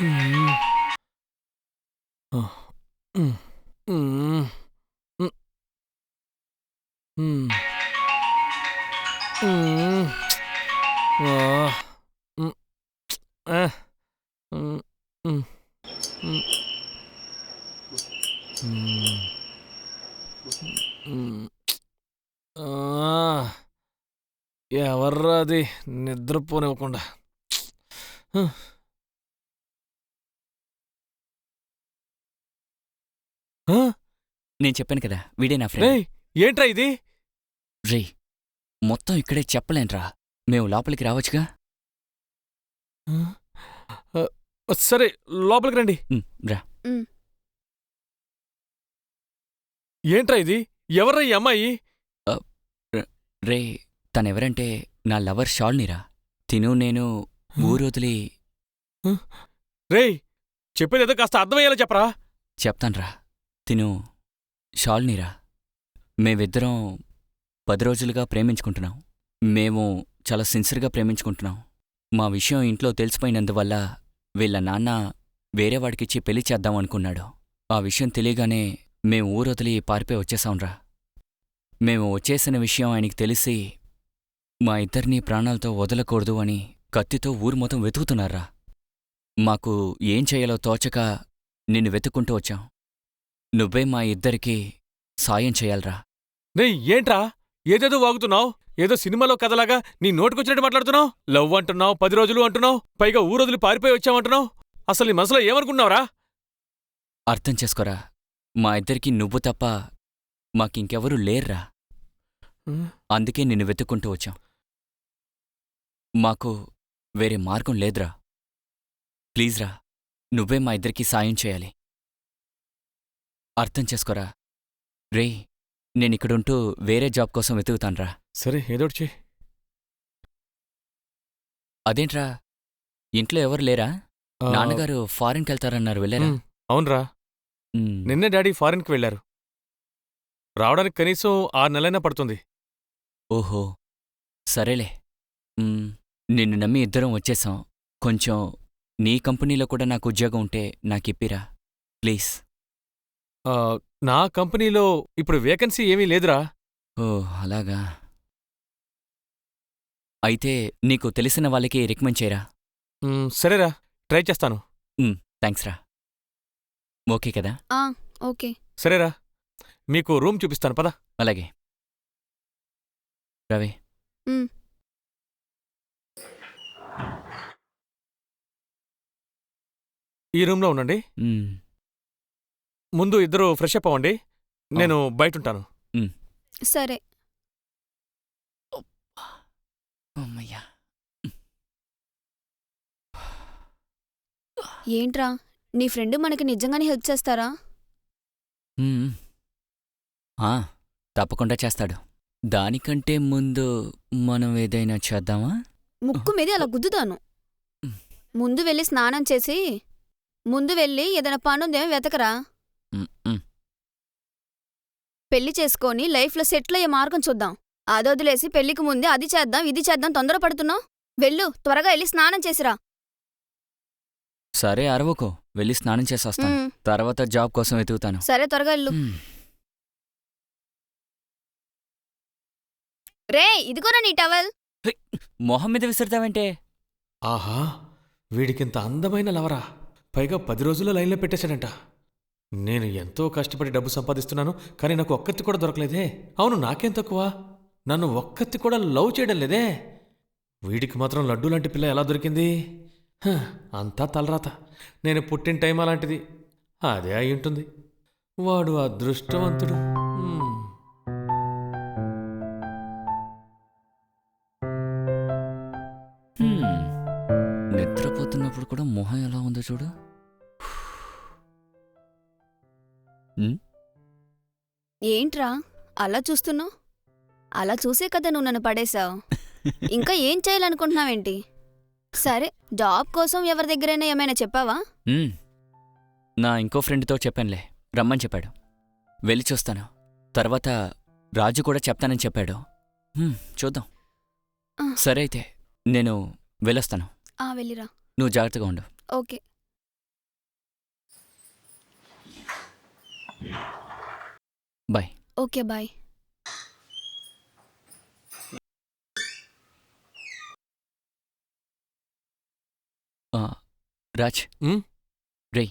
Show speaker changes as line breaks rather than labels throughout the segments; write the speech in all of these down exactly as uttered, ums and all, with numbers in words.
హ్మ్. ఆహ్! హ్మ్. హ్మ్. హ్మ్. హ్మ్. హ్మ్. ఆహ్! హ్మ్. ఆహ్! హ్మ్. హ్మ్. హ్మ్. హ్మ్. హ్మ్. ఆ! ఎవర్రా అది నిద్రపోనివ్వకుండా. హ్మ్. ఆ!
నేను చెప్పాను కదా! వీడే నా ఫ్రెండ్.
రేయ్! ఏంట్రా ఇది?
రేయ్! మొత్తం ఇక్కడే చెప్పలేనురా. మేము లోపలికి రావచ్చుగా?
ఆ! ఆహ్, సరే లోపలికి రండి.
హ్మ్. రా.
హ్మ్.
ఏంట్రా ఇది? ఎవర్రా ఈ అమ్మాయి?
ఆహ్, ర రేయ్! తనెవరంటే నా లవర్ షాలినిరా. తిను నేను
ఆ!
ఊరొదిలి
ఆ! రేయ్! చెప్పేదేదో కాస్త అర్థమయ్యేలా చెప్పరా?
చెప్తాన్రా. తిను షాలినిరా. మేమిద్దరం పది రోజులుగా ప్రేమించుకుంటున్నాం. మేము చాలా సిన్సియర్‌గా ప్రేమించుకుంటున్నాం. మా విషయం ఇంట్లో తెలిసిపోయినందువల్ల వీళ్ళ నాన్న వేరే వాడికిచ్చి పెళ్లి చేద్దాం అనుకున్నాడు. ఆ విషయం తెలియగానే మేం ఊరొదిలి పారిపోయి వచ్చేశాంరా. మేము వచ్చేసిన విషయం ఆయనకి తెలిసి మా ఇద్దరినీ ప్రాణాలతో వదలకూడదు అని కత్తితో ఊరు మొత్తం వెతుకుతున్నారా. మాకు ఏం చేయాలో తోచక నిన్ను వెతుక్కుంటూ వచ్చాం. నువ్వే మా ఇద్దరికీ సాయం చెయ్యాల్రా.
రేయ్! ఏంట్రా? ఏదేదో వాగుతున్నావ్? ఏదో సినిమాలో కథలాగా నీ నోటికొచ్చినట్టు మాట్లాడుతున్నావ్? లవ్ అంటున్నావ్, పది రోజులు అంటున్నావ్, పైగా ఊరొదిలి పారిపోయి వచ్చావంటున్నావ్. అసలు నీ మనసులో ఏమనుకుంటున్నావురా?
అర్థం చేసుకోరా. మా ఇద్దరికీ నువ్వు తప్ప మాకింకెవరూ లేర్రా.
హ్మ్.
అందుకే నిన్ను వెతుక్కుంటూ వచ్చాం. మాకు వేరే మార్గం లేదురా. ప్లీజ్రా, నువ్వే మా ఇద్దరికీ సాయం చేయాలి. అర్థం చేసుకోరా. రేయ్! నేనిక్కడుంటూ వేరే జాబ్ కోసం వెతుకుతాన్రా.
సరే ఏదోటి చెయ్.
అదేంట్రా, ఇంట్లో ఎవరు లేరా?
ఆ!
నాన్నగారు ఫారిన్‌కెళ్తారన్నారు వెళ్ళారా?
హ్మ్. అవునురా.
హ్మ్.
నిన్నే డాడీ ఫారిన్‌కి వెళ్లారు. రావడానికి కనీసం ఆరు నెలలైనా పడుతుంది.
ఓహో! సరేలే. హ్మ్. నిన్ను నమ్మి ఇద్దరం వచ్చేశాం. కొంచెం నీ కంపెనీలో కూడా నాకు ఉద్యోగం ఉంటే నాకిప్పిరా. ప్లీజ్.
ఆ! నా కంపెనీలో ఇప్పుడు వేకెన్సీ ఏమీ లేదురా.
ఓహ్! అలాగా. అయితే నీకు తెలిసిన వాళ్ళకి రికమెండ్ చేయరా?
హ్మ్. సరేరా ట్రై చేస్తాను.
హ్మ్. థాంక్స్ రా. ఓకే కదా?
ఆ! ఓకే.
సరేరా మీకు రూమ్ చూపిస్తాను పద.
అలాగే. రవి.
హ్మ్.
ఈ రూమ్‌లో ఉండండి.
హ్మ్.
ముందు ఇద్దరూ ఫ్రెష్ అప్ అవ్వండి.
ఆ!
నేను బయటుంటాను.
హ్మ్.
సరే.
హమ్మయ్య!
ఏంట్రా? నీ ఫ్రెండ్ మనకి నిజంగానే హెల్ప్ చేస్తారా?
హ్మ్. ఆ! తప్పకుండా చేస్తాడు. దానికంటే ముందు మనం ఏదైనా చేద్దామా?
ముక్కు మీదే అలా గుద్దుతాను. ముందు వెళ్ళి స్నానం చేసి, ముందు వెళ్ళి ఏదైనా పనుందేమో వెతకరా.
హ్మ్. హ్మ్.
పెళ్లి చేసుకొని లైఫ్‌లో సెటిల్ అయ్యే మార్గం చూద్దాం. అదొదిలేసి పెళ్లికి ముందే అది చేద్దాం, ఇది చేద్దాం తొందరపడుతున్నావ్. వెళ్ళు, త్వరగా ఎళ్లి స్నానం చేసిరా.
సరే అరవకు. వెళ్ళి స్నానం చేసొస్తాను.
హ్మ్.
తర్వాత జాబ్ కోసం వెతుకుతాను.
సరే త్వరగా ఎళ్ళు.
హ్మ్.
రేయ్! ఇదిగోరా నీ టవల్.
హెయ్! మొహం మీద విసురుతావేంటే?
ఆహా! వీడికింత అందమైన లవరా! పైగా పది రోజుల్లో లైన్‌లో పెట్టేశాడంట. నేను ఎంతో కష్టపడి డబ్బు సంపాదిస్తున్నాను. కానీ నాకు ఒక్కతి కూడా దొరకలేదే. అవును నాకేం తక్కువ? నన్ను ఒక్కతి కూడా లవ్ చేయడం లేదే. వీడికి మాత్రం లడ్డూ లాంటి పిల్ల ఎలా దొరికింది? హ! అంతా తలరాత. నేను పుట్టిన టైం అలాంటిది. అదే అయ్యుంటుంది. వాడు అదృష్టవంతుడు. హ్మ్.
హ్మ్. నిద్రపోతున్నప్పుడు కూడా మొహం ఎలా ఉందో చూడు. హ్మ్.
ఏంట్రా అలా చూస్తున్నావ్? అలా చూసే కదా నువ్వు నన్ను పడేశావు. ఇంకా ఏం చేయాలనుకుంటున్నావేంటి? సరే, జాబ్ కోసం ఎవరి దగ్గరైనా ఏమైనా చెప్పావా?
హ్మ్. నా ఇంకో ఫ్రెండ్‌తో చెప్పానులే. రమ్మని చెప్పాడు. వెళ్ళి చూస్తాను. తర్వాత రాజు కూడా చెప్తానని చెప్పాడు. హ్మ్. చూద్దాం.
ఆ,
సరే అయితే నేను వెళ్ళొస్తాను.
ఆ వెళ్ళిరా.
నువ్వు జాగ్రత్తగా ఉండు.
ఓకే.
బాయ్.
Okay bye.
ఆ, రాజ్.
ఉమ్?
రేయ్.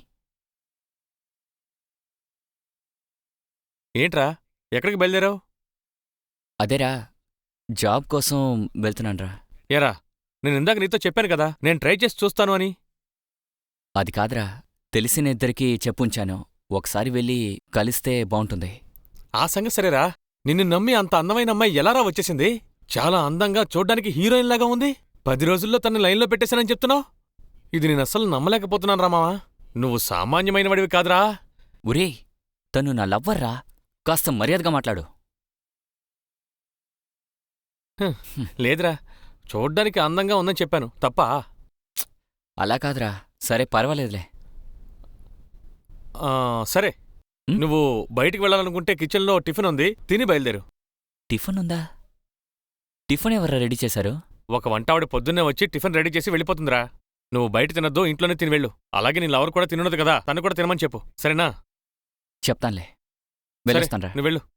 ఏంట్రా ఎక్కడికి బయలుదేరావు?
అదేరా, జాబ్ కోసం వెళ్తున్నాన్రా.
ఏరా నేను ఇందాక నీతో చెప్పాను కదా నేను ట్రై చేసి చూస్తాను అని.
అది కాదురా, తెలిసిన ఇద్దరికి చెప్పుంచాను. ఒకసారి వెళ్ళి కలిస్తే బావుంటుంది.
ఆ సంగతి సరేరా, నిన్ను నమ్మి అంత అందమైన అమ్మాయి ఎలారా వచ్చేసింది? చాలా అందంగా చూడ్డానికి హీరోయిన్ లాగా ఉంది. పది రోజుల్లో తన్ని లైన్లో పెట్టేశానని చెప్తున్నావు. ఇది నేను అస్సలు నమ్మలేకపోతున్నాను రా మావా. నువ్వు సామాన్యమైన వాడివి కాదురా.
ఒరేయ్, తను నా లవ్వర్రా. కాస్త మర్యాదగా మాట్లాడు.
లేదురా, చూడ్డానికి అందంగా ఉందని చెప్పాను తప్పా?
అలా కాదురా. సరే పర్వాలేదులే.
ఆ, సరే
ఉమ్?
నువ్వు బయటికి వెళ్ళాలనుకుంటే కిచెన్లో టిఫిన్ ఉంది, తిని బయలుదేరు.
టిఫిన్ ఉందా? టిఫిన్ ఎవర్రా రెడీ చేశారు?
ఒక వంటావిడ పొద్దున్నే వచ్చి టిఫిన్ రెడీ చేసి వెళ్ళిపోతుందిరా. నువ్వు బయట తినొద్దు, ఇంట్లోనే తిని వెళ్ళు. అలాగే నీ లవర్ కూడా తినున్నది కదా, తను కూడా తినమని చెప్పు, సరేనా?
చెప్తాన్లే.
సరే,
వెళ్ళొస్తాన్రా.
నువ్వు వెళ్ళు.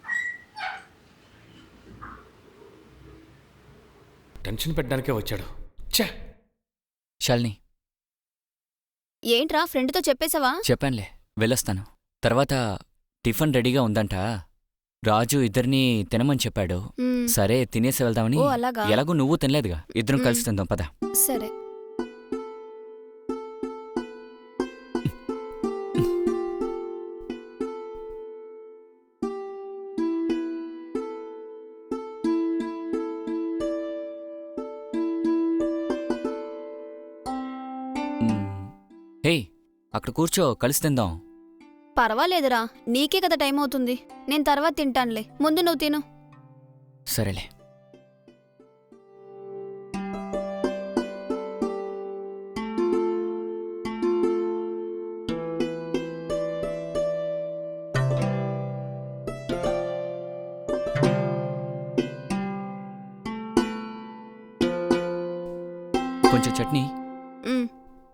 టెన్షన్ పెట్టడానికే వచ్చాడు. ఛే!
శాలిని,
ఏంట్రా ఫ్రెండ్తో చెప్పేశావా?
చెప్పాన్లే, వెళ్ళొస్తాను. తర్వాత టిఫిన్ రెడీగా ఉందంట. రాజు ఇద్దరినీ తినమని చెప్పాడు.
మ్,
సరే తినేసి వెళ్దామని.
ఓ అలాగా.
ఎలాగూ నువ్వు తినలేదుగా, ఇద్దరం
మ్.
కలిసి తిందాం పద.
సరే.
మ్. హే, అక్కడ కూర్చో, కలిసి తిందాం.
పర్వాలేదురా, నీకే కదా టైం అవుతుంది. నేను తర్వాత తింటానులే, ముందు నువ్వు తిను.
సరేలే. కొంచెం చట్నీ.
మ్,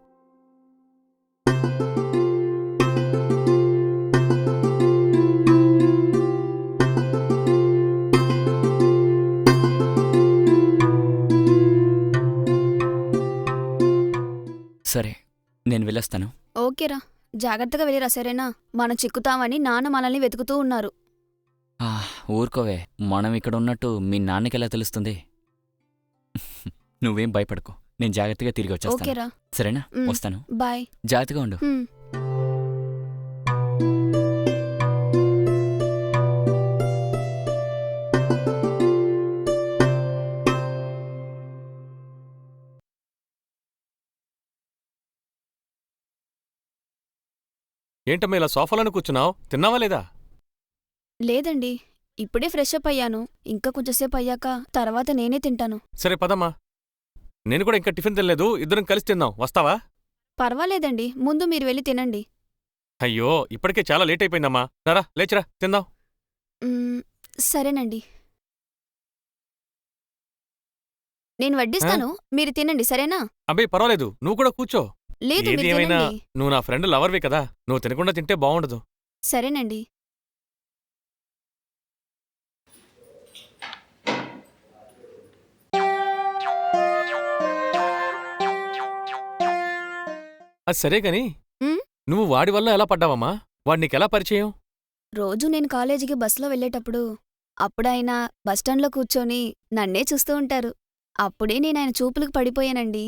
సరే, నేను వెళ్ళొస్తాను.
ఓకేరా, జాగ్రత్తగా వెళ్ళిరా సరేనా? మనం చిక్కుతామని నాన్న మనల్ని వెతుకుతూ ఉన్నారు.
ఆ, ఊరుకోవే, మనం ఇక్కడ ఉన్నట్టు మీ నాన్నకెలా తెలుస్తుంది? నువ్వేం భయపడకు, నేను జాగ్రత్తగా తిరిగి వచ్చేస్తాను.
ఓకేరా,
సరేనా?
మ్.
వస్తాను.
బాయ్.
జాగ్రత్తగా ఉండు.
మ్.
ఏంటమ్మా ఇలా సోఫాలోనే కూర్చున్నావు? తిన్నావా లేదా?
లేదండి, ఇప్పుడే ఫ్రెష్ అప్ అయ్యాను. ఇంకా కొంచెంసేపు అయ్యాక తర్వాత నేనే తింటాను.
సరే పదమ్మా. నేను కూడా ఇంకా టిఫిన్ తినలేదు, ఇద్దరం కలిసి తిందాం, వస్తావా?
పర్వాలేదండి, ముందు మీరు వెళ్ళి తినండి.
అయ్యో, ఇప్పటికే చాలా లేట్ అయిపోయిందమ్మా. రారా, లేచిరా, తిందాం.
మ్, సరేనండి, నేను వడ్డిస్తాను, మీరు తినండి సరేనా?
అబ్బాయి పర్వాలేదు, నువ్వు కూడా కూర్చో.
లేదు,
ఏది
మీరు
ఏమైనా
తినండి.
నువ్వు నా ఫ్రెండ్ లవర్వి కదా, నువ్వు తినకుండా తింటే బాగుండదు.
సరేనండి.
అది సరే గాని
ఉమ్?
నువ్వు వాడి వల్ల ఎలా పడ్డావమ్మా? వాడు నీకెలా పరిచయం?
రోజు నేను కాలేజీకి బస్సులో వెళ్ళేటప్పుడు అప్పుడాయన బస్టాండ్లో కూర్చొని నన్నే చూస్తూ ఉంటారు. అప్పుడే నేనాయన చూపులకు పడిపోయానండి.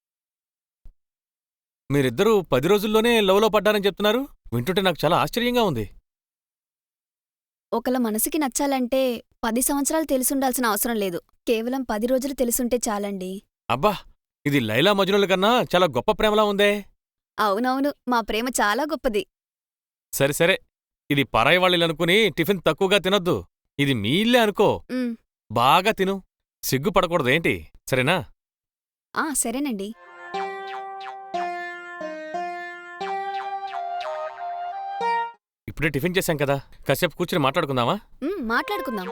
మీరిద్దరూ పది రోజుల్లోనే లవ్లో పడ్డారని చెప్తున్నారు, వింటుంటే నాకు చాలా ఆశ్చర్యంగా ఉంది.
ఒకళ్ళ మనసుకి నచ్చాలంటే పది సంవత్సరాలు తెలిసుండాల్సిన అవసరం లేదు, కేవలం పది రోజులు తెలుసుంటే చాలండి.
అబ్బా, ఇది లైలా మజ్నుల కన్నా చాలా గొప్ప ప్రేమలా ఉందే.
అవునవును, మా ప్రేమ చాలా గొప్పది.
సరే సరే, ఇది పరాయి వాళ్ళనుకుని టిఫిన్ తక్కువగా తినొద్దు. ఇది మీ ఇల్లే అనుకో,
ఉమ్,
బాగా తిను, సిగ్గుపడకూడదేంటి, సరేనా?
ఆ సరేనండి.
ఇప్పుడే టిఫిన్ చేశాం కదా, కాసేపు కూర్చుని మాట్లాడుకుందామా?
ఉమ్, మాట్లాడుకుందాం.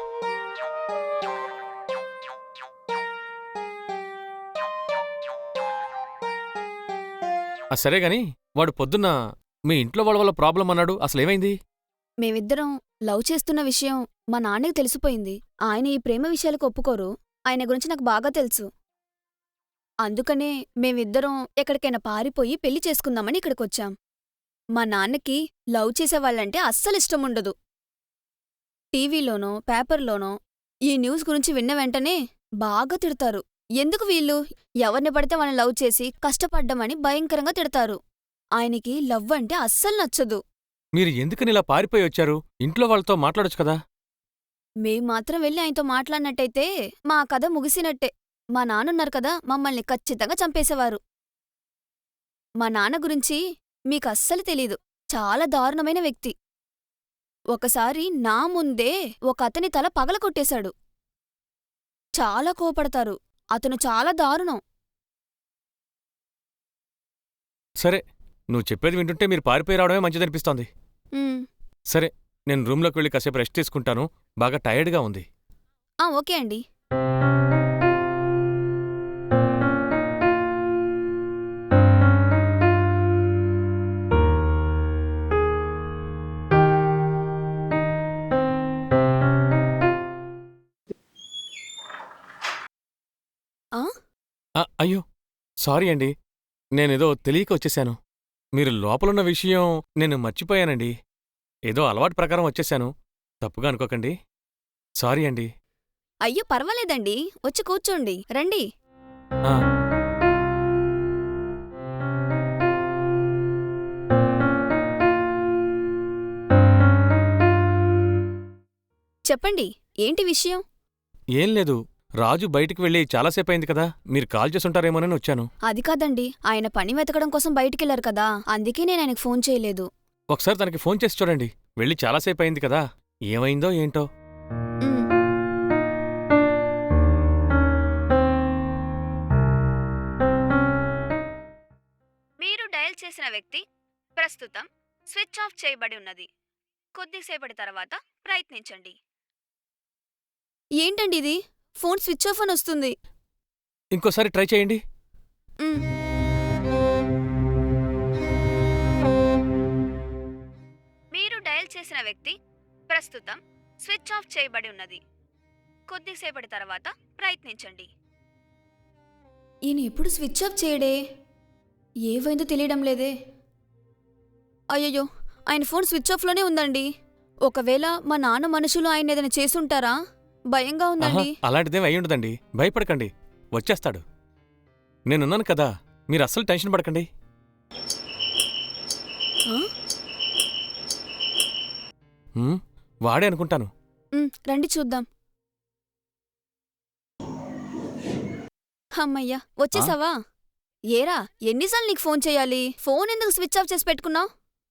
ఆ సరే గాని వాడు పొద్దున్న మీ ఇంట్లో వాళ్ళ వల్ల ప్రాబ్లం అన్నాడు, అసలేమైంది?
మేమిద్దరం లవ్ చేస్తున్న విషయం మా నాన్నకి తెలిసిపోయింది. ఆయన ఈ ప్రేమ విషయాలకు ఒప్పుకోరు. ఆయన గురించి నాకు బాగా తెలుసు. అందుకనే మేమిద్దరం ఎక్కడికైనా పారిపోయి పెళ్లి చేసుకుందామని ఇక్కడికొచ్చాం. మా నాన్నకి లవ్ చేసేవాళ్ళంటే అస్సలిష్టముండదు. టీవీలోనో పేపర్లోనో ఈ న్యూస్ గురించి విన్న వెంటనే బాగా తిడతారు. ఎందుకు వీళ్ళు ఎవరిని పడితే వాళ్ళని లవ్ చేసి కష్టపడ్డమని భయంకరంగా తిడతారు. ఆయనకి లవ్ అంటే అస్సలు నచ్చదు.
మీరు ఎందుకని ఇలా పారిపోయి వచ్చారు? ఇంట్లో వాళ్ళతో మాట్లాడొచ్చు కదా.
మేం మాత్రం వెళ్ళి ఆయనతో మాట్లాడినట్టయితే మా కథ ముగిసినట్టే. మా నాన్నున్నారు కదా, మమ్మల్ని ఖచ్చితంగా చంపేసేవారు. మా నాన్న గురించి మీకస్సలు తెలీదు. చాలా దారుణమైన వ్యక్తి. ఒకసారి నా ముందే ఒక అతని తల పగలగొట్టేశాడు. చాలా కోపడతారు. అతను చాలా దారుణం.
సరే, నువ్వు చెప్పేది వింటుంటే మీరు పారిపోయి రావడమే మంచిదనిపిస్తోంది.
ఉమ్,
సరే, నేను రూమ్లోకి వెళ్ళి కాసేపు రెస్ట్ తీసుకుంటాను. బాగా టైర్డ్గా ఉంది.
ఆ ఓకే అండి. ఆ
ఆ, అయ్యో సారీ అండి. నేనేదో తెలియక వచ్చేశాను. మీరు లోపలున్న విషయం నేను మర్చిపోయానండి. ఏదో అలవాటు ప్రకారం వచ్చేశాను. తప్పుగా అనుకోకండి. సారీ అండి.
అయ్యో పర్వాలేదండి, వచ్చి కూర్చోండి, రండి.
ఆ,
చెప్పండి, ఏంటి విషయం?
ఏం లేదు. రాజు బయటికి వెళ్ళి చాలాసేపయింది కదా, మీరు కాల్ చేసుంటారేమోనని వచ్చాను.
అది కాదండి, ఆయన పని వెతకడం కోసం బయటికెళ్లారు కదా, అందుకే నేను ఆయనకు ఫోన్ చేయలేదు.
ఒకసారి తనకి ఫోన్ చేసి చూడండి. వెళ్ళి చాలాసేపయింది కదా, ఏమైందో ఏంటో.
ఉమ్. మీరు డయల్ చేసిన వ్యక్తి ప్రస్తుతం స్విచ్ ఆఫ్ చేయబడి ఉన్నది. కొద్దిసేపటి తర్వాత ప్రయత్నించండి. ఏంటండి ఇది? ఫోన్ స్విచ్ ఆఫ్ అని వస్తుంది.
ఇంకోసారి ట్రై చేయండి.
ఉమ్. మీరు డయల్ చేసిన వ్యక్తి ప్రస్తుతం స్విచ్ ఆఫ్ చేయబడి ఉన్నది. కొద్దిసేపటి తర్వాత ప్రయత్నించండి. ఈయన ఎప్పుడు స్విచ్ ఆఫ్ చేయడే? ఏవైందో తెలియడం లేదే. అయ్యయ్యో, ఆయన ఫోన్ స్విచ్ ఆఫ్లోనే ఉందండి. ఒకవేళ మా నాన్న మనుషులు ఆయన ఏదైనా చేసుంటారా? భయంగా
ఆహా,
ఉందండి.
అలాంటిదేం అయ్యుండదండి. భయపడకండి, వచ్చేస్తాడు. నేనున్నాను కదా, మీరు అస్సలు టెన్షన్ పడకండి.
ఆ?
హ్మ్, వాడే అనుకుంటాను.
ఉమ్, రండి చూద్దాం. అమ్మయ్యా, వచ్చేసావా? ఏరా, ఎన్నిసార్లు నీకు ఫోన్ చేయాలి? ఫోన్ ఎందుకు స్విచ్ ఆఫ్ చేసి పెట్టుకున్నావు?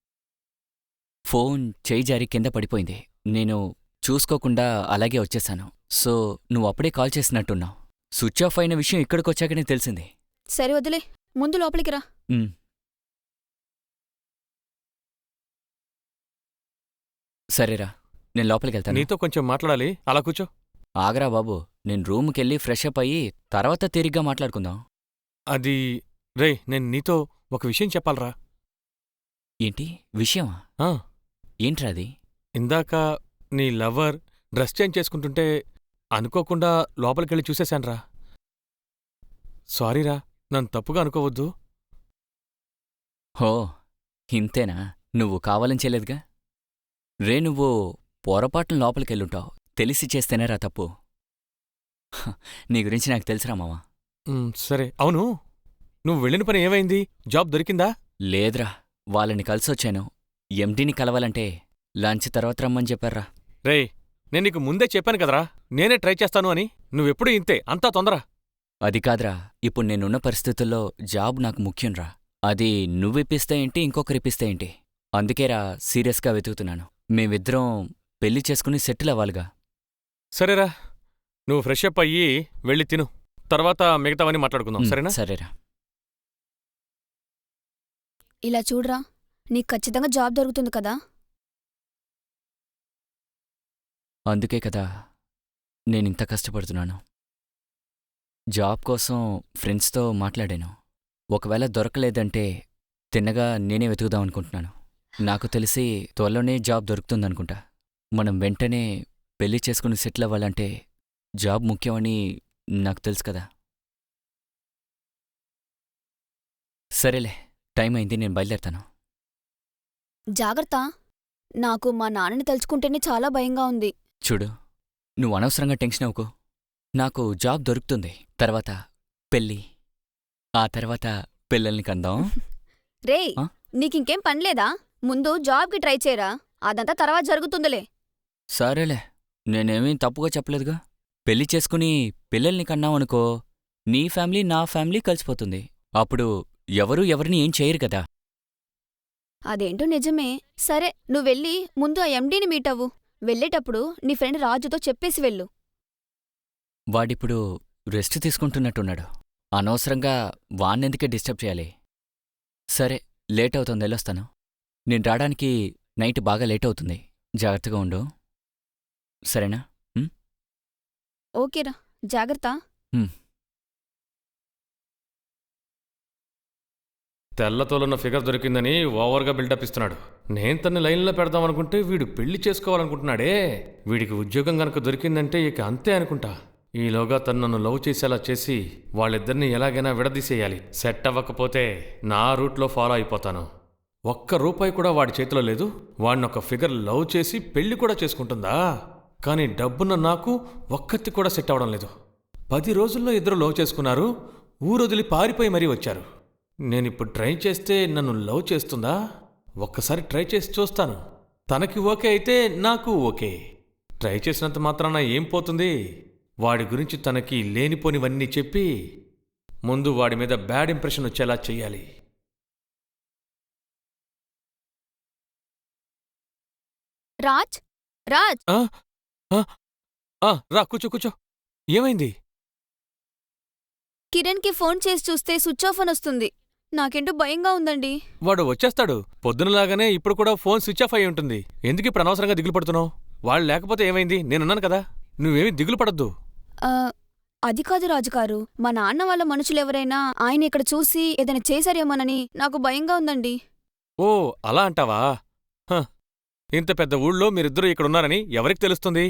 ఫోన్ చేయి జారి కింద పడిపోయింది. నేను చూసుకోకుండా అలాగే వచ్చేశాను. సో నువ్వు అప్పుడే కాల్ చేసినట్టున్నావు. స్విచ్ ఆఫ్ అయిన విషయం ఇక్కడికొచ్చాకనే తెలిసింది.
సరే వదిలే, ముందు లోపలికి రా.
ఉమ్. సరేరా, నేను లోపలికెళ్తాను.
నీతో కొంచెం మాట్లాడాలి, అలా కూర్చో.
ఆగరా బాబు, నేను రూమ్కెళ్ళి ఫ్రెష్ అప్ అయ్యి తర్వాత తీరిగ్గా మాట్లాడుకుందాం.
అది రేయ్, నేను నీతో ఒక విషయం చెప్పాలరా.
ఏంటి విషయమా?
ఆ,
ఏంట్రా అది?
ఇందాక నీ లవర్ డ్రెస్ చేంజ్ చేసుకుంటుంటే అనుకోకుండా లోపలికెళ్ళి చూసేశాన్రా. సారీరా, నన్ను తప్పుగా అనుకోవద్దు.
హో, ఇంతేనా? నువ్వు కావాలని చేయలేదుగా. రే, నువ్వు పొరపాటున లోపలికెళ్ళుంటావు. తెలిసి చేస్తేనేరా తప్పు. హ, నీ గురించి నాకు తెలుసురా మావా.
ఉమ్, సరే. అవును, నువ్వు వెళ్ళిన పని ఏమైంది? జాబ్ దొరికిందా?
లేదురా, వాళ్ళని కలిసొచ్చాను. ఎండీని కలవాలంటే లంచ్ తర్వాత రమ్మని చెప్పారా.
రేయ్, నేను నీకు ముందే చెప్పాను కదరా, నేనే ట్రై చేస్తాను అని. నువ్వెప్పుడూ ఇంతే, అంతా తొందర.
అది కాదురా, ఇప్పుడు నేనున్న పరిస్థితుల్లో జాబ్ నాకు ముఖ్యంరా. అది నువ్విప్పిస్తే ఏంటి, ఇంకొకరిప్పిస్తే ఏంటి? అందుకేరా సీరియస్గా వెతుకుతున్నాను. మేమిద్దరం పెళ్లి చేసుకుని సెటిల్ అవ్వాలిగా.
సరేరా, నువ్వు ఫ్రెష్ అప్ అయ్యి వెళ్ళి తిను. తర్వాత మిగతావన్నీ మాట్లాడుకుందాం,
ఉమ్,
సరేనా?
సరేరా.
ఇలా చూడరా, నీకు ఖచ్చితంగా జాబ్ దొరుకుతుంది కదా.
అందుకే కదా నేనింత కష్టపడుతున్నాను. జాబ్ కోసం ఫ్రెండ్స్తో మాట్లాడాను. ఒకవేళ దొరకలేదంటే తిన్నగా నేనే వెతుకుదాం అనుకుంటున్నాను. నాకు తెలిసి త్వరలోనే జాబ్ దొరుకుతుందనుకుంటా. మనం వెంటనే పెళ్లి చేసుకుని సెటిల్ అవ్వాలంటే జాబ్ ముఖ్యమని నాకు తెలుసు కదా. సరేలే, టైం అయింది, నేను బయలుదేరతాను.
జాగ్రత్త. నాకు మా నాన్నని తలుచుకుంటేనే చాలా భయంగా ఉంది.
చూడు, నువ్వు అనవసరంగా టెన్షన్ అవ్వకు. నాకు జాబ్ దొరుకుతుంది, తర్వాత పెళ్ళి, ఆ తర్వాత పిల్లల్ని కందాం.
రేయ్,
ఆ?
నీకింకేం పనిలేదా? ముందు జాబ్కి ట్రై చేయరా, అదంతా తర్వాత జరుగుతుందిలే.
సరేలే, నేనేమీ తప్పుగా చెప్పలేదుగా. పెళ్లి చేసుకుని పిల్లల్ని కన్నావనుకో, నీ ఫ్యామిలీ నా ఫ్యామిలీ కలిసిపోతుంది. అప్పుడు ఎవరూ ఎవరిని ఏం చేయరు కదా.
అదేంటో నిజమే. సరే, నువ్వెళ్ళి ముందు ఆ ఎండీని మీట్ అవ్వు. వెళ్ళేటప్పుడు నీ ఫ్రెండ్ రాజుతో చెప్పేసి వెళ్ళు.
వాడిప్పుడు రెస్ట్ తీసుకుంటున్నట్టున్నాడు. అనవసరంగా వాణ్ణెందుకే డిస్టర్బ్ చేయాలి. సరే, లేట్ అవుతుంది, వెళ్ళొస్తాను. నేను రావడానికి నైట్ బాగా లేట్ అవుతుంది. జాగ్రత్తగా ఉండు, సరేనా? ఉమ్?
ఓకేరా, జాగ్రత్త.
ఉమ్.
తెల్లతోలున్న ఫిగర్ దొరికిందని ఓవర్గా బిల్డప్ ఇస్తున్నాడు. నేను తన్ని లైన్లో పెడదామనుకుంటే వీడు పెళ్లి చేసుకోవాలనుకుంటున్నాడే. వీడికి ఉద్యోగం గనక దొరికిందంటే ఇక అంతే అనుకుంటా. ఈలోగా తను నన్ను లవ్ చేసేలా చేసి వాళ్ళిద్దరిని ఎలాగైనా విడదీసేయాలి. సెట్ అవ్వకపోతే నా రూట్లో ఫాలో అయిపోతాను. ఒక్క రూపాయి కూడా వాడి చేతిలో లేదు. వాడిని ఒక ఫిగర్ లవ్ చేసి పెళ్లి కూడా చేసుకుంటుందా? కానీ డబ్బున్న నాకు ఒక్కతి కూడా సెట్ అవ్వడం లేదు. పది రోజుల్లో ఇద్దరు లవ్ చేసుకున్నారు, ఊరొదిలి పారిపోయి మరీ వచ్చారు. నేనిప్పుడు ట్రై చేస్తే నన్ను లవ్ చేస్తుందా? ఒక్కసారి ట్రై చేసి చూస్తాను. తనకి ఓకే అయితే నాకు ఓకే. ట్రై చేసినంత మాత్రాన ఏం పోతుంది? వాడి గురించి తనకి లేనిపోనివన్నీ చెప్పి ముందు వాడి మీద బ్యాడ్ ఇంప్రెషన్ వచ్చేలా చెయ్యాలి.
రాజ్, రాజ్,
ఆ, ఆ, ఆ, రా కూర్చో కూర్చో. ఏమైంది?
కిరణ్కి ఫోన్ చేసి చూస్తే స్విచ్ ఆఫ్ అని వస్తుంది. నాకేంటో భయంగా ఉందండి.
వాడు వచ్చేస్తాడు. పొద్దునలాగానే ఇప్పుడు కూడా ఫోన్ స్విచ్ ఆఫ్ అయి ఉంటుంది. ఎందుకు ఇప్పుడు అనవసరంగా దిగులు పడుతున్నావు? వాళ్ళు లేకపోతే ఏమైంది? నేనున్నాను కదా, నువ్వేమీ దిగులు పడద్దు.
ఆ, అది కాదు రాజుగారు, మా నాన్న వాళ్ళ మనుషులెవరైనా ఆయన ఇక్కడ చూసి ఏదైనా చేశారేమోనని నాకు భయంగా ఉందండి.
ఓ, అలా అంటావా? హ, ఇంత పెద్ద ఊళ్ళో మీరిద్దరూ ఇక్కడున్నారని ఎవరికి తెలుస్తుంది?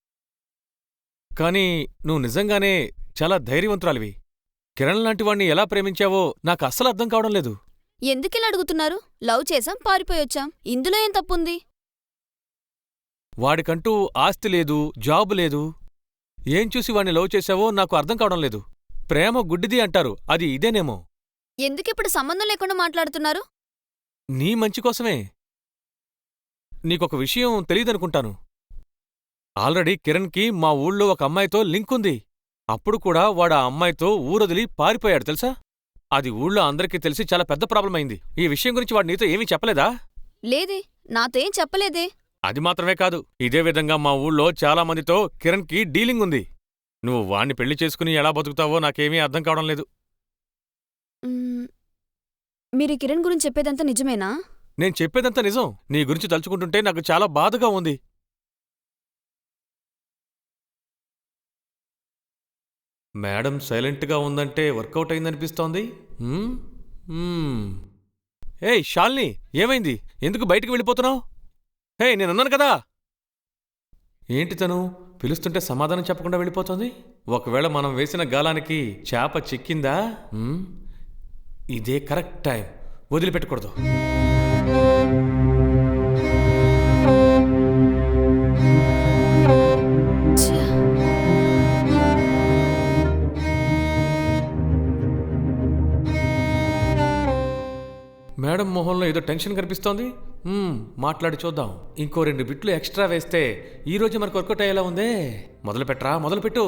కానీ నువ్వు నిజంగానే చాలా ధైర్యవంతురాలివి. కిరణ్ లాంటి వాణ్ణి ఎలా ప్రేమించావో నాకు అస్సలు అర్థం కావడం లేదు.
ఎందుకిలా అడుగుతున్నారు? లవ్ చేసాం, పారిపోయొచ్చాం, ఇందులో ఏం తప్పుంది?
వాడికంటూ ఆస్తి లేదు, జాబు లేదు. ఏం చూసి వాణ్ణి లవ్ చేశావో నాకు అర్థం కావడం లేదు. ప్రేమ గుడ్డిది అంటారు, అది ఇదేనేమో.
ఎందుకిప్పుడు సంబంధం లేకుండా మాట్లాడుతున్నారు?
నీ మంచి కోసమే. నీకొక విషయం తెలీదనుకుంటాను. ఆల్రెడీ కిరణ్కి మా ఊళ్ళో ఒక అమ్మాయితో లింక్ ఉంది. అప్పుడు కూడా వాడు ఆ అమ్మాయితో ఊరొదిలి పారిపోయాడు తెలుసా? అది ఊళ్ళో అందరికీ తెలిసి చాలా పెద్ద ప్రాబ్లం అయింది. ఈ విషయం గురించి వాడు నీతో ఏమీ చెప్పలేదా?
లేదే, నాతో ఏం చెప్పలేదే.
అది మాత్రమే కాదు, ఇదే విధంగా మా ఊళ్ళో చాలా మందితో కిరణ్కి డీలింగ్ ఉంది. నువ్వు వాణ్ణి పెళ్లి చేసుకుని ఎలా బతుకుతావో నాకేమీ అర్థం కావడం లేదు.
మ్మ్, మీరు కిరణ్ గురించి చెప్పేదంతా నిజమేనా?
నేను చెప్పేదంతా నిజం. నీ గురించి తలుచుకుంటుంటే నాకు చాలా బాధగా ఉంది. మేడం సైలెంట్గా ఉందంటే వర్కౌట్ అయిందనిపిస్తోంది. హ్మ్? హ్మ్. ఏయ్ శాలిని, ఏమైంది? ఎందుకు బయటికి వెళ్ళిపోతున్నావు? హే, నేనున్నాను కదా. ఏంటి తను పిలుస్తుంటే సమాధానం చెప్పకుండా వెళ్ళిపోతుంది? ఒకవేళ మనం వేసిన గాలానికి చేప చిక్కిందా? హ్మ్? ఇదే కరెక్ట్ టైం, వదిలిపెట్టకూడదు.
ఛ!
మేడం మొహంలో ఏదో టెన్షన్ కనిపిస్తోంది. మ్మ్, మాట్లాడి చూద్దాం. ఇంకో రెండు బిట్లు ఎక్స్ట్రా వేస్తే ఈ రోజు మనకు వర్కౌట్ అయ్యేలా ఉందే. మొదలు పెట్టరా, మొదలుపెట్టు.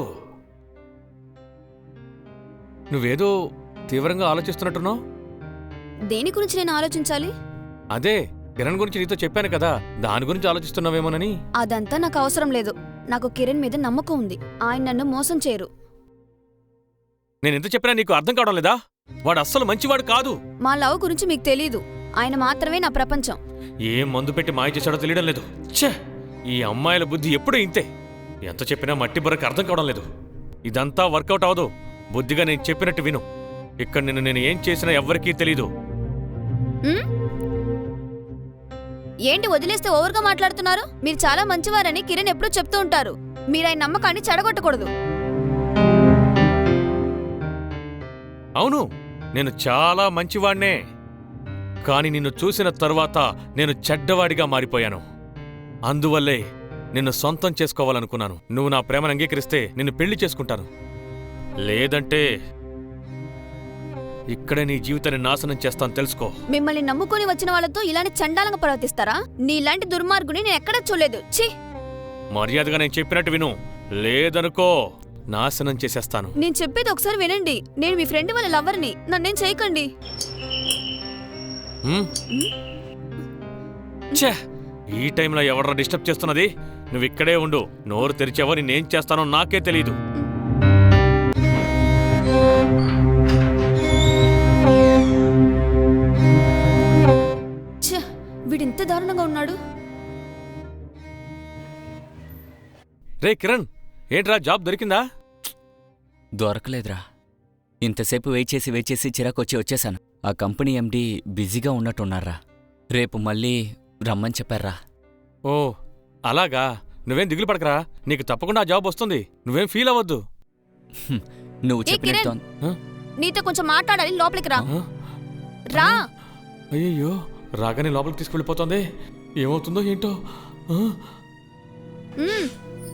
నువ్వేదో తీవ్రంగా ఆలోచిస్తున్నట్టున్నావు.
దేని గురించి నేను ఆలోచించాలి?
అదే కిరణ్ గురించి నీతో చెప్పాను కదా, దాని గురించి ఆలోచిస్తున్నావేమోనని.
అదంతా నాకు అవసరం లేదు. నాకు కిరణ్ మీద నమ్మకం ఉంది. ఆయన నన్ను మోసం చేయరు.
నేనెంత చెప్పినా నీకు అర్థం కావడం లేదా? వాడు అస్సలు మంచివాడు కాదు.
మా లవ్ గురించి మీకు తెలీదు. ఆయన మాత్రమే నా ప్రపంచం.
ఏం మందు పెట్టి మాయ చేశాడో తెలియడం లేదు. ఛే, ఈ అమ్మాయిల బుద్ధి ఎప్పుడూ ఇంతే. ఎంత చెప్పినా మట్టి బుర్రకు అర్థం కావడం లేదు. ఇదంతా వర్కౌట్ అవదు. బుద్ధిగా నేను చెప్పినట్టు విను. ఇక్కడ నిన్ను నేను ఏం చేసినా ఎవ్వరికీ తెలీదు.
ఉమ్? ఏంటి వదిలేస్తే ఓవర్గా మాట్లాడుతున్నారు? మీరు చాలా మంచివారని కిరణ్ ఎప్పుడూ చెప్తూ ఉంటారు. మీరు ఆయన నమ్మకాన్ని చెడగొట్టకూడదు.
అవును, నేను చాలా మంచివాణ్ణే. కాని నిన్ను చూసిన తరువాత నేను చెడ్డవాడిగా మారిపోయాను. అందువల్లే నిన్ను సొంతం చేసుకోవాలనుకున్నాను. నువ్వు నా ప్రేమను అంగీకరిస్తే నిన్ను పెళ్లి చేసుకుంటాను. లేదంటే ఇక్కడే నీ జీవితాన్ని నాశనం చేస్తాను, తెలుసుకో.
మిమ్మల్ని నమ్ముకొని వచ్చిన వాళ్ళతో ఇలాంటి చండాలంగా ప్రవర్తిస్తారా? నీలాంటి దుర్మార్గుని నేను ఎక్కడా చూడలేదు. ఛీ!
మర్యాదగా నేను చెప్పినట్టు విను, లేదనుకో నాశనం చేసేస్తాను.
నేను చెప్పేది ఒకసారి వినండి. నేను మీ ఫ్రెండ్ వాళ్ళ లవర్ని. నన్నేం చేయకండి.
హ్మ్? ఛే! ఈ టైంలో ఎవడరా డిస్టర్బ్ చేస్తున్నది? నువ్వు ఇక్కడే ఉండు. నోరు తెరిచావో నేనేం చేస్తానో నాకే తెలీదు.
ఛే! వీడింత దారుణంగా ఉన్నాడు.
రే కిరణ్, ఏంట్రా జాబ్ దొరికిందా?
దొరకలేదురా. ఇంతసేపు వెయిట్ చేసి వెయిట్ చేసి చిరాకొచ్చి వచ్చేశాను. ఆ కంపెనీ ఎండీ బిజీగా ఉన్నట్టున్నారా. రేపు మళ్ళీ రమ్మని చెప్పారా.
ఓ అలాగా. నువ్వేం దిగులు పడకరా, నీకు తప్పకుండా ఆ జాబ్ వస్తుంది. నువ్వేం ఫీల్ అవ్వద్దు.
హ్మ్, నువ్వు
ఏ
చెప్పినట్టు
కిరణ్, నీతో కొంచెం మాట్లాడాలి. లోపలికి రా.
ఆ?
రా.
అయ్యయ్యో, రాగానే లోపలికి తీసుకెళ్ళిపోతుంది. ఏమవుతుందో ఏంటో. ఆ?
మ్మ్.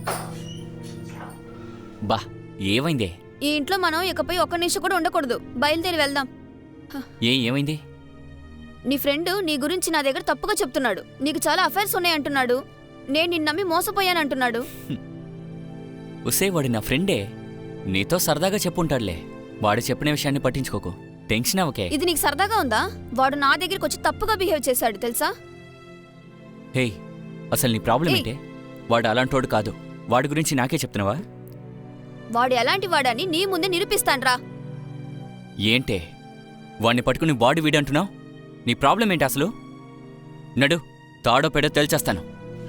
బా ఏమైందే?
ఈ ఇంట్లో మనం ఇకపై ఒక్క నిమిషం కూడా ఉండకూడదు. బయలుదేరి వెళ్దాం.
ఏ ఏమైంది?
నీ ఫ్రెండ్ నీ గురించి నా దగ్గర తప్పుగా చెప్తున్నాడు. నీకు చాలా అఫైర్స్ ఉన్నాయంటున్నాడు. నేను నిన్ను నమ్మి మోసపోయానంటున్నాడు.
ఉసే, వాడి నా ఫ్రెండే. నీతో సరదాగా చెప్పుంటాడులే. వాడు చెప్పిన విషయాన్ని పట్టించుకోకు. టెన్షన్ అవకే.
ఇది నీకు సరదాగా ఉందా? వాడు నా దగ్గరికి వచ్చి తప్పుగా బిహేవ్ చేశాడు తెలుసా?
హేయ్, అసలు నీ ప్రాబ్లం
ఏయ్.
ఏంటే? వాడు అలాంటోడు కాదు. వాడి గురించి నాకే చెప్తున్నావా?
వాడు ఎలాంటి వాడని నీ ముందే నిరూపిస్తాన్రా.
ఏంటే వాణ్ణి పట్టుకుని బాడీ వీడంటున్నావు? నీ ప్రాబ్లం ఏంటి అసలు? నడు, తాడో పెడో తేల్చేస్తాను.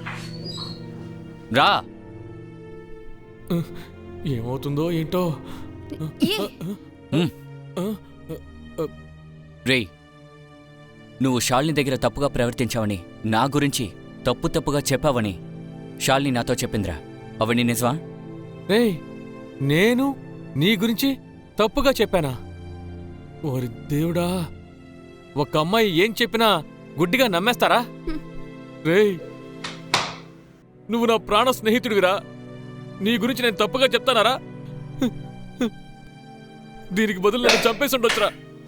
రా.
ఏమవుతుందో ఏంటో.
ఏ
ఉమ్. రేయ్, నువ్వు శాలిని దగ్గర తప్పుగా ప్రవర్తించావని, నా గురించి తప్పు తప్పుగా చెప్పావని శాలిని నాతో చెప్పిందిరా. అవన్నీ నిజమా?
రేయ్, నేను నీ గురించి తప్పుగా చెప్పానా? ఓరి దేవుడా, ఒక అమ్మాయి ఏం చెప్పినా గుడ్డిగా నమ్మేస్తారా? రేయ్, నువ్వు నా ప్రాణ స్నేహితుడివిరా. నీ గురించి నేను తప్పుగా చెప్తానారా? దీనికి బదులు నన్ను చంపేసి ఉండొచ్చురా.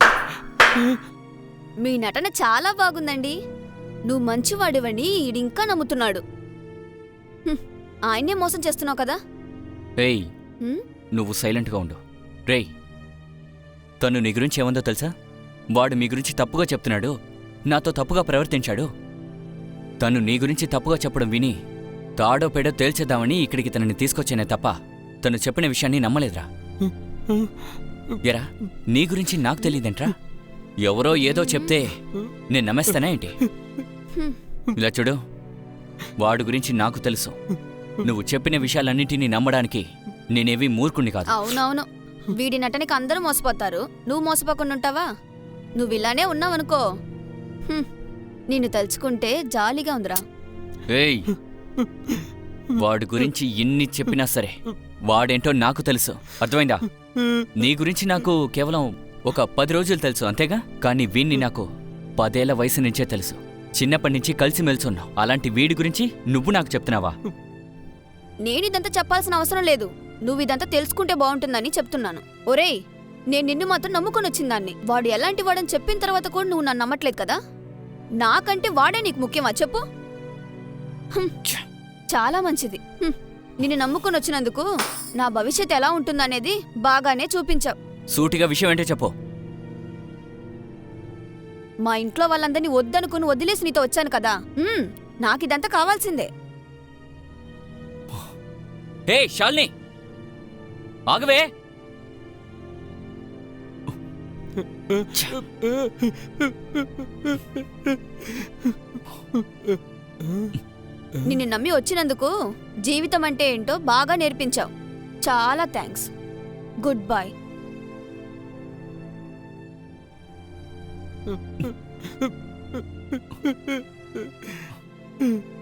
మీ నటన చాలా బాగుందండి. నువ్వు మంచివాడివని ఈడింకా నమ్ముతున్నాడు. హ్మ్, ఆయన్నే మోసం చేస్తున్నావు కదా.
ఏయ్,
హ్మ్?
నువ్వు సైలెంట్గా ఉండు. రేయ్, తను నీ గురించి ఏమందో తెలుసా? వాడు మీ గురించి తప్పుగా చెప్తున్నాడు, నాతో తప్పుగా ప్రవర్తించాడు. తను నీ గురించి తప్పుగా చెప్పడం విని తాడో పేడో తేల్చేద్దామని ఇక్కడికి తనని తీసుకొచ్చానే తప్ప తను చెప్పిన విషయాన్ని నమ్మలేదురా. ఎరా, నీ గురించి నాకు తెలియదేంట్రా? ఎవరో ఏదో చెప్తే నేను నమ్మేస్తానా ఏంటి? ఇలా చూడు, వాడు గురించి నాకు తెలుసు. నువ్వు చెప్పిన విషయాలన్నింటినీ నమ్మడానికి నేనేవి మూర్ఖుణ్ణి కాదు.
అవునవును, వీడి నటనకి అందరూ మోసపోతారు. నువ్వు మోసపోకుండా ఉంటావా? నువ్వు ఇలానే ఉన్నావనుకో, హ్మ్, నిన్ను తలుచుకుంటే జాలీగా ఉందిరా.
ఏయ్, వాడి గురించి ఎన్ని చెప్పినా సరే వాడేంటో నాకు తెలుసు, అర్థమైందా? నీ గురించి నాకు కేవలం ఒక పది రోజులు తెలుసు అంతేగా. కానీ వీణ్ణి నాకు పదేళ్ల వయసు నుంచే తెలుసు. చిన్నప్పటి నుంచి కలిసిమెలిసి ఉన్నావు. అలాంటి వీడి గురించి నువ్వు నాకు చెప్తున్నావా?
నేను ఇదంతా చెప్పాల్సిన అవసరం లేదు. నువ్వు ఇదంతా తెలుసుకుంటే బాగుంటుందని చెప్తున్నాను. ఒరేయ్, నేను నిన్ను మాత్రం నమ్ముకొని వచ్చిందాన్ని. వాడు ఎలాంటి వాడని చెప్పిన తర్వాత కూడా నువ్వు నన్ను నమ్మట్లేదు కదా. నాకంటే వాడే నీకు ముఖ్యమా చెప్పు? హ్మ్, చాలా మంచిది. హ్మ్, నిన్ను నమ్ముకొని వచ్చినందుకు నా భవిష్యత్తు ఎలా ఉంటుందనేది బాగానే చూపించావు.
సూటిగా విషయం ఏంటో చెప్పు.
మా ఇంట్లో వాళ్ళందరినీ వద్దనుకుని వదిలేసి నీతో వచ్చాను కదా. హ్మ్, నాకిదంతా కావాల్సిందే.
హే శాలిని, ఆగవే.
నిన్ను నమ్మి వచ్చినందుకు జీవితం అంటే ఏంటో బాగా నేర్పించావు. చాలా థ్యాంక్స్. Good bye. హ్మ్.